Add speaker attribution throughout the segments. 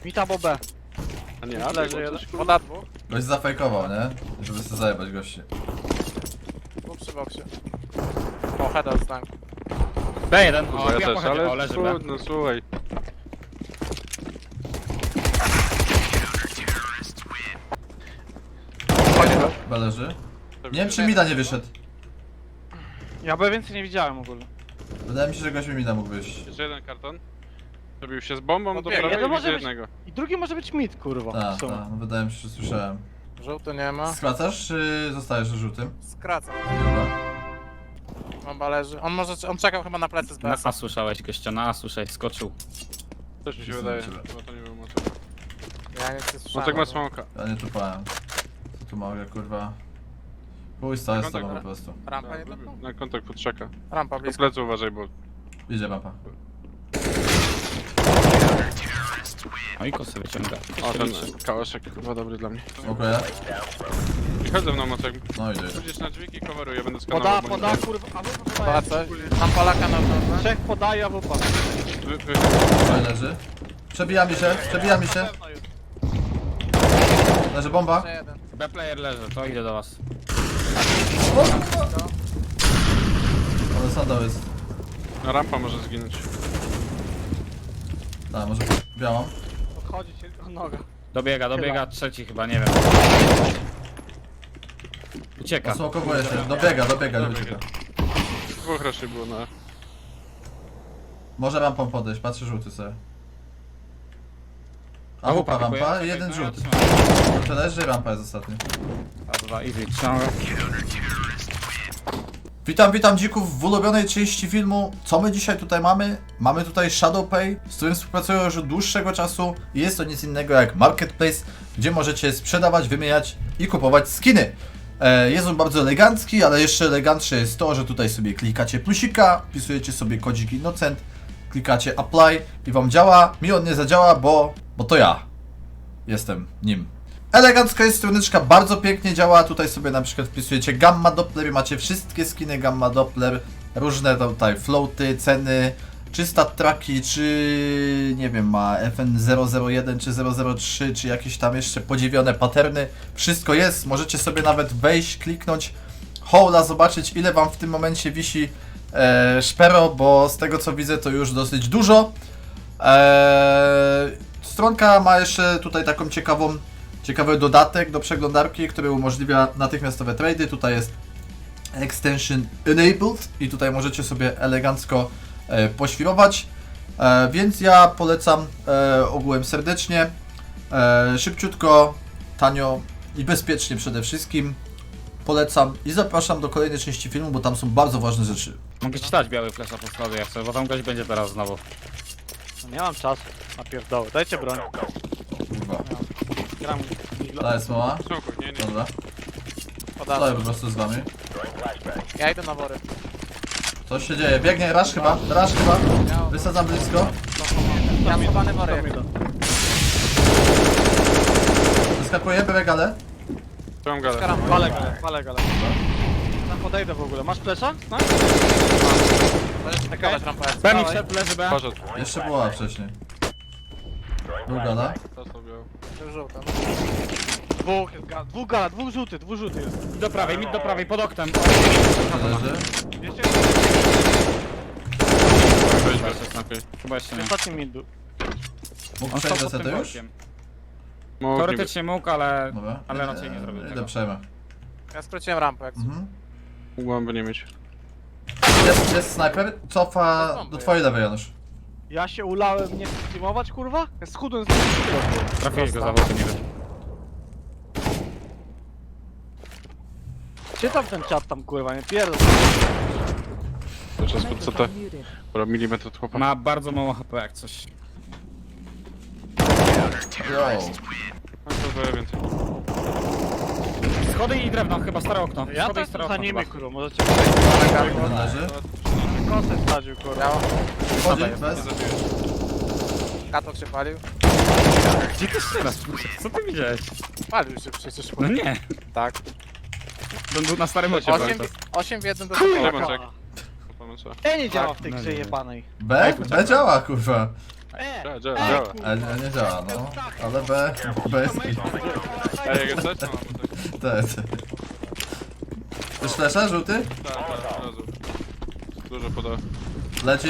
Speaker 1: Mita bo B.
Speaker 2: A nie,
Speaker 1: Leży
Speaker 2: leży
Speaker 1: jeden.
Speaker 2: coś,
Speaker 1: Woda dwóch.
Speaker 3: Gość zafejkował, nie? Żeby sobie zajebać gości.
Speaker 1: Dwóch przy boksie. O, heada dostałem.
Speaker 4: B1,
Speaker 2: kurwa,
Speaker 4: o,
Speaker 2: ja
Speaker 4: ja
Speaker 2: też,
Speaker 4: pochodzę, o,
Speaker 2: ale
Speaker 4: leży B.
Speaker 2: no słuchaj.
Speaker 3: Chyba leży. Nie wiem czy Mida nie wyszedł.
Speaker 1: Ja B więcej nie widziałem ogólnie.
Speaker 3: Wydaje mi się, że gość mi Mida mógł wyjść.
Speaker 2: Jeszcze jeden karton. Zrobił się z bombą do
Speaker 1: Odbiega.
Speaker 2: prawej
Speaker 1: To
Speaker 2: i
Speaker 1: może
Speaker 2: widzę
Speaker 1: być-
Speaker 2: jednego.
Speaker 1: I drugi może być mid, kurwa.
Speaker 3: Tak,
Speaker 1: w sumie.
Speaker 3: tak, no wydaje mi się, że słyszałem.
Speaker 1: Żółty nie ma.
Speaker 3: Skracasz czy zostajesz na żółtym?
Speaker 1: Skracam.
Speaker 3: Dobra.
Speaker 1: Bomba leży. On czekał chyba na plecy z
Speaker 4: Na
Speaker 1: BS.
Speaker 4: A słyszałeś gościa, na A słyszałeś, skoczył.
Speaker 2: Też mi się
Speaker 3: Jestem
Speaker 2: wydaje,
Speaker 3: u ciebie.
Speaker 2: bo to nie był Mocek.
Speaker 1: Ja nic nie słyszałem.
Speaker 2: Mocek ma smoka.
Speaker 3: Ja nie tupałem. Co tu mogę, kurwa? Pójdź, to jest z tobą po prostu.
Speaker 1: Rampa nie dotknął?
Speaker 2: Na kontakt podczeka.
Speaker 1: Rampa
Speaker 2: Po
Speaker 1: blisko.
Speaker 2: plecy uważaj, bo
Speaker 3: Idzie mapa.
Speaker 4: O i kosy wyciąga.
Speaker 2: o, ten kałaszek chyba dobry dla mnie.
Speaker 3: Dziękuję.
Speaker 2: I chodź ze mną Mocek.
Speaker 3: No idzie.
Speaker 2: Pójdziesz na drzwi i coveruję, będę skanował.
Speaker 1: Poda, kurwa. A wupa podaje. Mam Polaka na dole. Trzech podaje, a wupa.
Speaker 3: Oj, leży. Przebija mi się, przebija mi się. Leży bomba.
Speaker 1: Jeszcze jeden.
Speaker 4: B player leży, to idę do was.
Speaker 3: Ale sandał jest.
Speaker 2: No rampa może zginąć.
Speaker 3: Tak, może białą.
Speaker 1: Odchodzi się tylko noga.
Speaker 4: Dobiega, trzeci chyba, nie wiem. Ucieka.
Speaker 3: Osłokowuje się. Dobiega, nie ucieka.
Speaker 2: Dwóch raczej było na...
Speaker 3: Może rampą podejść, patrzę żółty sobie. A
Speaker 4: A
Speaker 3: wupa
Speaker 4: wupa
Speaker 3: rampa
Speaker 4: pikuje?
Speaker 3: i jeden
Speaker 4: No ja
Speaker 3: żółty.
Speaker 4: trzymam.
Speaker 3: To leży i rampa jest ostatni.
Speaker 4: A2, easy, trzymam go.
Speaker 3: Witam dzików w ulubionej części filmu. Co my dzisiaj tutaj mamy? Mamy tutaj ShadowPay, z którym współpracuję już od dłuższego czasu i jest to nic innego jak Marketplace, gdzie możecie sprzedawać, wymieniać i kupować skiny. Jest on bardzo elegancki, ale jeszcze elegantsze jest to, że tutaj sobie klikacie plusika, wpisujecie sobie kodzik Innocent, klikacie apply i wam działa. Mi on nie zadziała, bo to ja jestem nim. Elegancka jest stronyczka, bardzo pięknie działa. Tutaj sobie na przykład wpisujecie Gamma Doppler i macie wszystkie skiny Gamma Doppler, różne tutaj floaty, ceny, czy stat tracki, czy nie wiem, ma FN001 czy 003, czy jakieś tam jeszcze podziwione patterny. Wszystko jest, możecie sobie nawet wejść, kliknąć hola, zobaczyć ile wam w tym momencie wisi szpero, bo z tego co widzę to już dosyć dużo. Stronka ma jeszcze tutaj taką ciekawy dodatek do przeglądarki, który umożliwia natychmiastowe trady. Tutaj jest Extension Enabled i tutaj możecie sobie elegancko poświrować. Więc ja polecam ogółem serdecznie, szybciutko, tanio i bezpiecznie przede wszystkim. Polecam i zapraszam do kolejnej części filmu, bo tam są bardzo ważne rzeczy.
Speaker 4: Mogę ci dać biały flesza po schody jak chcę, bo tam gość będzie teraz znowu.
Speaker 1: No nie mam czasu na pierdoły. Dajcie broń.
Speaker 3: Kurwa.
Speaker 1: Gram.
Speaker 3: Ta jest mała.
Speaker 2: Smoku, nie.
Speaker 3: Dobra.
Speaker 1: Podaję.
Speaker 3: Stoję po prostu z wami.
Speaker 1: Ja idę na wory.
Speaker 3: Coś się dzieje. Biegnie, rush chyba. Wysadzam blisko.
Speaker 1: Ja schowany wory.
Speaker 3: Wyskakuje, biorę galę.
Speaker 2: Trzymam galę.
Speaker 1: Skaram. Walę galę. Tam podejdę w ogóle. Masz flesza? No? Możesz takować rampę.
Speaker 4: B mi wszedł, leży B.
Speaker 2: Poszedł.
Speaker 3: Jeszcze była wcześniej. Był gala.
Speaker 2: Dostał białą.
Speaker 1: Żółta. Dwóch gala, dwóch żółty jest.
Speaker 4: Mid do prawej, pod oknem.
Speaker 3: Leży.
Speaker 1: Jeszcze
Speaker 2: Weź bez snapie.
Speaker 4: Chyba jeszcze nie.
Speaker 1: ostatni mid był.
Speaker 3: Mógł
Speaker 4: On
Speaker 3: przejść
Speaker 4: stał
Speaker 3: do
Speaker 4: pod tym
Speaker 3: sety już?
Speaker 4: bokiem.
Speaker 2: Mógł
Speaker 4: Teoretycznie mógł, ale...
Speaker 3: Dobra.
Speaker 4: Ale raczej nie zrobił
Speaker 3: Idę
Speaker 4: tego.
Speaker 3: przejmę.
Speaker 1: Ja skróciłem rampę jak
Speaker 3: Mhm.
Speaker 2: Mógłby nie mieć.
Speaker 3: Jest snajper. Cofa do twojej lewej, Janusz.
Speaker 1: Ja się ulałem nie streamować, kurwa? Ja schudłem z
Speaker 4: Trafiłeś go za wody, nie wiem.
Speaker 1: Czytam ten czat tam, kurwa, nie pierdol.
Speaker 2: To czas pod CT. Dobra, milimetr od chłopa.
Speaker 4: Ma bardzo mało HP jak coś.
Speaker 3: Yo.
Speaker 2: No to daje więcej.
Speaker 4: Schody i drewno, chyba stare okno.
Speaker 1: Ja
Speaker 4: Schody i
Speaker 1: też
Speaker 4: stare
Speaker 1: za
Speaker 4: okno
Speaker 1: nimi,
Speaker 4: chyba.
Speaker 1: kurwa, możecie przejść na gali.
Speaker 3: Jeden leży.
Speaker 1: Kosę wsadził, kurwa.
Speaker 3: Wchodzi, bez.
Speaker 1: Katok się palił.
Speaker 4: Gdzie ty strzelasz? Co ty widziałeś?
Speaker 1: Palił się przecież,
Speaker 4: No
Speaker 1: kurwa.
Speaker 4: nie.
Speaker 1: Tak.
Speaker 4: On był na starym ocie.
Speaker 1: 8 w 1 do
Speaker 2: Kurde,
Speaker 1: Polaka.
Speaker 2: Mocek.
Speaker 1: Nie działa w tej
Speaker 4: No
Speaker 1: grze
Speaker 4: nie.
Speaker 1: jebanej.
Speaker 3: B? B działa, kurwa.
Speaker 2: Działa.
Speaker 3: Ale nie działa, no. Ale B jest git.
Speaker 2: Ej, jak jesteś? No, bo tak.
Speaker 3: Te. Też flesza, żółty?
Speaker 2: Tak, od razu. Dużo poda.
Speaker 3: Leci.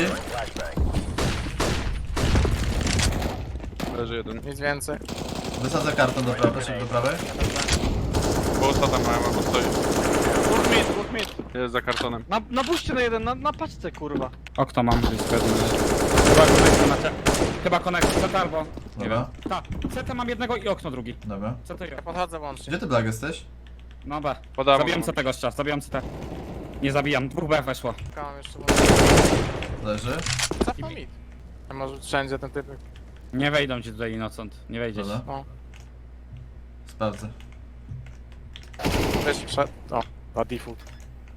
Speaker 2: Leży jeden.
Speaker 5: Nic więcej.
Speaker 3: Wysadzę karton do prawej, szybko do prawej.
Speaker 2: Bo ostatnia mają, albo stoi.
Speaker 1: Dwóch mit.
Speaker 2: Jest za kartonem.
Speaker 1: Na buście na jeden, na paczce kurwa.
Speaker 4: Okno mam gdzieś pewnie. Chyba konektor macie. Chyba konektor, CT albo... Nie
Speaker 3: Dobra.
Speaker 4: wiem. Tak, CT mam jednego i okno drugi.
Speaker 3: Dobra.
Speaker 4: CT i
Speaker 5: Ja
Speaker 4: okno.
Speaker 5: podchodzę łącznie.
Speaker 3: Gdzie ty, Black, jesteś?
Speaker 4: No B.
Speaker 2: Podam.
Speaker 4: Zabijam CT gościa, zabijam CT. Nie zabijam, 2B weszło.
Speaker 5: Czekałem jeszcze.
Speaker 3: Leży.
Speaker 5: Zapał mit. A może wszędzie ten typ.
Speaker 4: Nie wejdą ci tutaj inocent, nie wejdziesz.
Speaker 3: Dobra.
Speaker 5: No.
Speaker 3: Sprawdzę.
Speaker 5: Wiesz, przed. O, na default.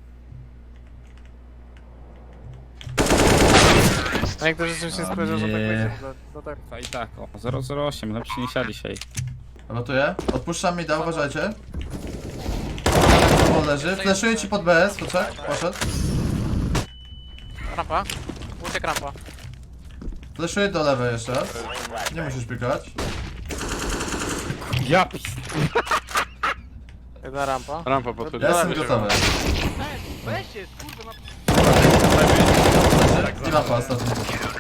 Speaker 5: A niektórzy rzeczywiście
Speaker 3: A
Speaker 5: spojrzą, że tak
Speaker 3: nie.
Speaker 5: będzie. Do tak.
Speaker 4: I tak, o 008, lepszy niż ja dzisiaj.
Speaker 3: Rotuję. Odpuszczam mi da, uważajcie. O, leży. Fleszuję ci pod BS, poszedł.
Speaker 5: Rampa. Uciek rampa.
Speaker 3: Fleszuję do lewej jeszcze raz. Nie musisz pikać.
Speaker 4: Ja
Speaker 5: Jedna rampa.
Speaker 2: Rampa podchodzi.
Speaker 3: Ja jestem gotowy.
Speaker 1: Weź się, kurwa,
Speaker 3: Leży. I mapa ostatni.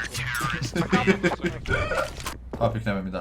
Speaker 3: O, piknęły mi da.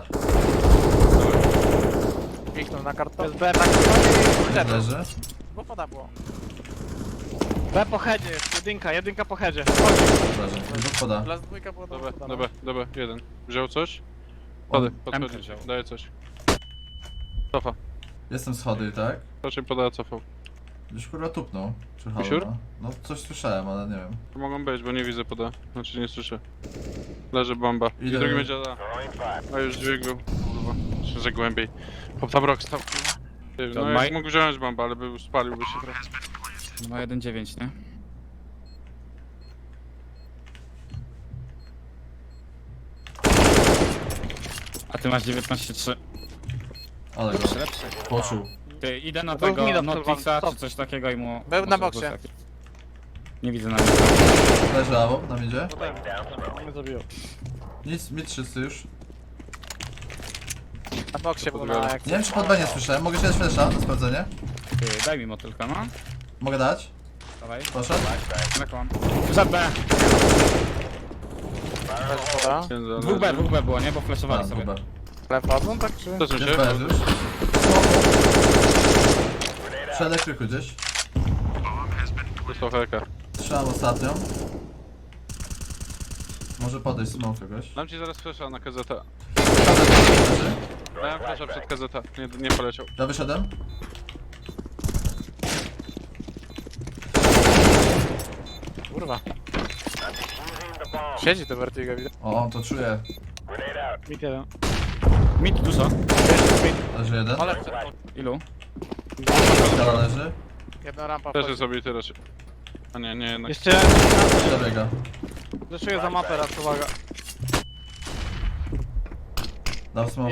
Speaker 5: Kliknął na karton.
Speaker 1: Jest B tak.
Speaker 3: Leży.
Speaker 5: Bo pada było.
Speaker 1: B po headzie jest, jedynka po headzie.
Speaker 3: Leży. Dwóch poda.
Speaker 5: Las dwójka było
Speaker 2: Dobra,
Speaker 5: dobra.
Speaker 2: dobra, dobra, jeden. Wziął coś? Podaj,
Speaker 4: MK
Speaker 2: podchodzi.
Speaker 4: wziął.
Speaker 2: Daje coś. Cofa.
Speaker 3: Jestem schody, tak?
Speaker 2: Raczej podaje cofał.
Speaker 3: Gdzieś kurwa tupnął. Czy halo,
Speaker 2: Siur?
Speaker 3: no? No coś słyszałem, ale nie wiem.
Speaker 2: To mogą być, bo nie widzę poda. Znaczy nie słyszę. Leży bomba. I
Speaker 3: Idę.
Speaker 2: drugi będzie da. A już dźwięk był. Kurwa. Myślę, że głębiej. Pop tam rok stał. Ty,
Speaker 4: To
Speaker 2: no
Speaker 4: Maj-
Speaker 2: jak mógł wziąć bombę, ale był, spaliłby się trochę.
Speaker 4: ma 1,9, nie? A ty masz 19,3.
Speaker 3: Ale go
Speaker 4: Lepszy.
Speaker 3: poczuł.
Speaker 4: Ty, idę na
Speaker 1: To
Speaker 4: tego
Speaker 1: mida
Speaker 4: Notixa
Speaker 1: stop.
Speaker 4: czy coś takiego i mu...
Speaker 5: Był na
Speaker 4: może
Speaker 5: boksie.
Speaker 4: taki- Nie widzę na nim.
Speaker 3: Leży awo, nam idzie.
Speaker 1: Mnie zabiją.
Speaker 3: Nic, mid wszyscy już.
Speaker 5: Na boksie było
Speaker 2: podbiorę.
Speaker 5: na jak.
Speaker 3: Nie wiem czy pod B nie słyszałem. Mogę się dać flesza na sprawdzenie?
Speaker 4: Ty, daj mi motylka, no.
Speaker 3: Mogę dać?
Speaker 4: Dawaj,
Speaker 3: Poszedł?
Speaker 4: lekłam. Żad B.
Speaker 5: Poda.
Speaker 2: Jeden
Speaker 4: 2B było, nie? Bo flashowali
Speaker 3: A,
Speaker 4: sobie.
Speaker 3: dobra.
Speaker 5: Ale wchodzą tak czy?
Speaker 2: To co
Speaker 3: Jest
Speaker 2: się?
Speaker 3: BS już. Przy elektryku gdzieś.
Speaker 2: Dostał helka.
Speaker 3: Trzymam ostatnią. Może podejść smoke kogoś.
Speaker 2: Dam ci zaraz flasha na KZ.
Speaker 3: Leży.
Speaker 2: Dałem flasha przed KZ. Nie poleciał.
Speaker 3: Ja wyszedłem.
Speaker 5: Kurwa. Siedzi to Vertigo widać.
Speaker 3: O, to czuję.
Speaker 1: Mit jeden.
Speaker 4: Mid dużo.
Speaker 3: Leży jeden.
Speaker 5: Ale
Speaker 4: Ilu?
Speaker 3: Skala leży.
Speaker 5: jedna rampa
Speaker 2: Też
Speaker 5: wchodzi.
Speaker 2: jest obity raczej. A nie, nie jednak.
Speaker 1: Jeszcze
Speaker 3: Dobiega.
Speaker 1: zeszuję za mapę raz, uwaga.
Speaker 3: Dał smoke.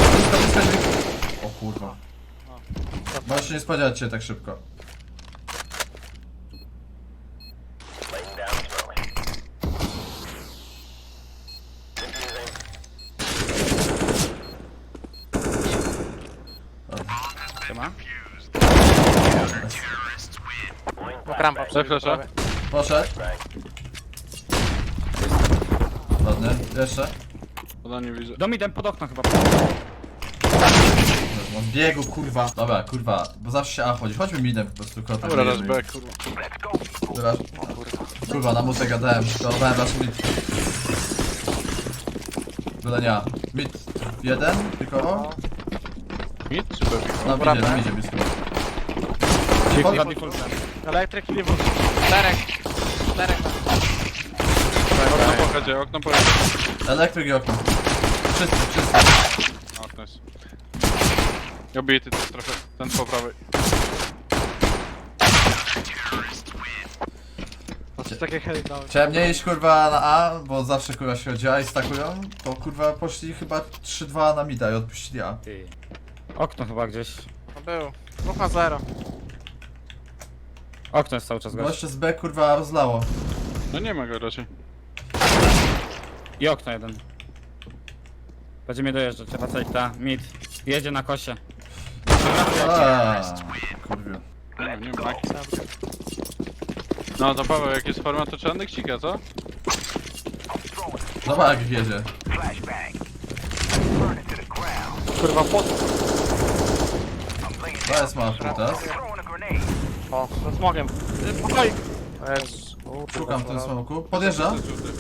Speaker 3: O kurwa. Możesz się nie spodziewać cię tak szybko.
Speaker 4: Siema.
Speaker 5: Rampa
Speaker 2: Daj flasha.
Speaker 3: Poszedł. Ładnie. Jeszcze.
Speaker 2: Poda nie widzę.
Speaker 4: Do midem pod okno chyba.
Speaker 3: On biegł, kurwa. Dobra, kurwa, bo zawsze się A chodzi. Chodźmy midem po prostu, kotem.
Speaker 2: Dobra, raz back, kurwa.
Speaker 3: Dobra. Kurwa, na mutę gadałem. Próbowałem raz mid. Byle nie. Mid 1, tylko.
Speaker 2: Mid czy back?
Speaker 3: Na midzie blisko.
Speaker 4: Za defaultem.
Speaker 1: Elektryk i lewo.
Speaker 5: Czterech. Czterech.
Speaker 2: Okno pochodzie, okno pochodzie.
Speaker 3: Elektryk i okno. Wszyscy.
Speaker 2: O, nice. Obity to jest trochę, ten po prawej.
Speaker 1: Takie heady dałem.
Speaker 3: Chciałem nie iść kurwa na A, bo zawsze kurwa się chodzi A i stakują. To kurwa poszli chyba 3-2 na mida i odpuścili A.
Speaker 4: Ty. Okno chyba gdzieś.
Speaker 5: No był. 2-0.
Speaker 4: Okno jest cały czas gość.
Speaker 3: Goście z B kurwa rozlało.
Speaker 2: No nie ma go raczej.
Speaker 4: I okno jeden. Będzie mnie dojeżdżać, trzeba coś ta mid. Jedzie na kosie.
Speaker 3: Kurwa.
Speaker 2: Nie ma Maki. No to Paweł, jak jest forma, to trzeba nekcika, co?
Speaker 3: Zobacz jak jedzie.
Speaker 1: Kurwa, pot.
Speaker 3: To jest mała teraz.
Speaker 1: O, ze smogiem. Oj! Jezus.
Speaker 3: Szukam w tym smoku. Podjeżdża.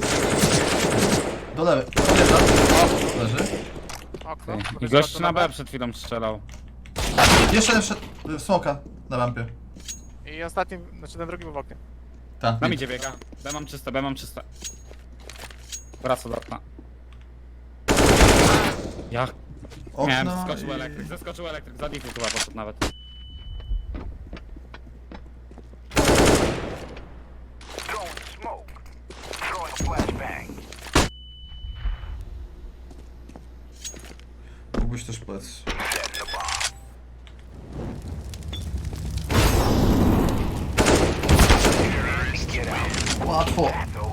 Speaker 3: Do lewej. Podjeżdża. O, leży.
Speaker 5: Okno.
Speaker 4: I gość na B przed chwilą strzelał.
Speaker 3: Jeszcze jeden wszedł w smoka na rampie.
Speaker 5: I ostatni, znaczy ten drugi był w oknie.
Speaker 3: Tak.
Speaker 4: Na midzie biega. B mam czyste, B mam czyste. Wraca do okna. Ja miałem,
Speaker 3: Okno
Speaker 4: zeskoczył elektryk, za difu chyba poszedł nawet.
Speaker 3: Mógłbyś też plec. Łatwo.